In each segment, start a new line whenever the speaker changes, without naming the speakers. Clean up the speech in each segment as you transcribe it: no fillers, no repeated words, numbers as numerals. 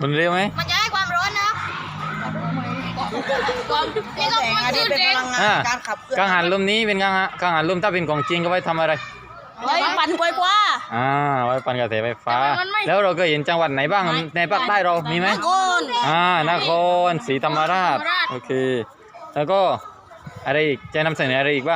มุนเร็วไหม
มันจะให้ความร้อนนะครับนี่ก็
แสงอาทิตย์เป็นพลังงานการขับเคลื่อน
กังหันลมนี้เป็นกังหันลมถ้าเป็นของจริงก็ไว้ทำอะไร
ไว้ปั่นกล้วยกว่า
ไว้ปั่นกระแสไฟฟ้าแล้วเราก็เห็นจังหวัดไหนบ้างในภาคใต้เรามีไหม
โอน
นครศรีธรรมราชโอเคแล้วก็อะไรอีกจะนำเสนออะไรอีกบ้าง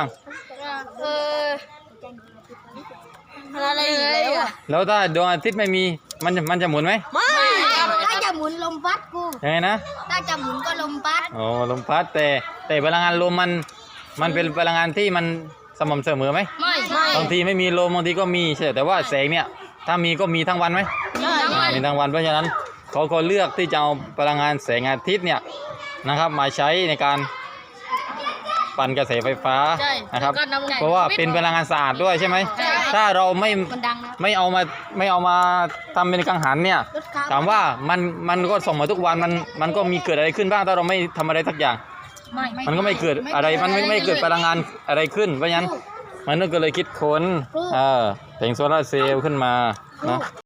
อะไรอีกแล้วอ่ะ
แล้วถ้าดวงอาทิตย์ไม่มีมันจะหมุนไหม
ไม่ถ้าจะหมุนลมพัดกู
ยังไงนะ
ถ้าจะหมุนก็ลมพัด
โอ้ลมพัดแต่พลังงานลมมันเป็นพลังงานที่มันสม่ำเสมอไหม
ไม่
บางทีไม่มีลมบางทีก็มีใช่แต่ว่าแสงเนี่ยถ้ามีก็มีทั้งวันไหมมีทั้งวันเพราะฉะนั้นเขาก็เลือกที่จะเอาพลังงานแสงอาทิตย์เนี่ยนะครับมาใช้ในการปั่นกระแสไฟฟ้านะครับเพราะว่าเป็นพลังงานสะอาดด้วยใช่ไหมถ้าเราไม่เอามาทำเป็นกังหันเนี่ยถามว่ามันก็ส่งมาทุกวันมันก็มีเกิดอะไรขึ้นบ้างถ้าเราไม่ทำอะไรสักอย่างมันก็ไม่เกิดอะไรมันไม่เกิดพลังงานอะไรขึ้นเพราะฉะนั้นมันก็เลยคิดค้นแผงโซลาร์เซลล์ขึ้นมานะ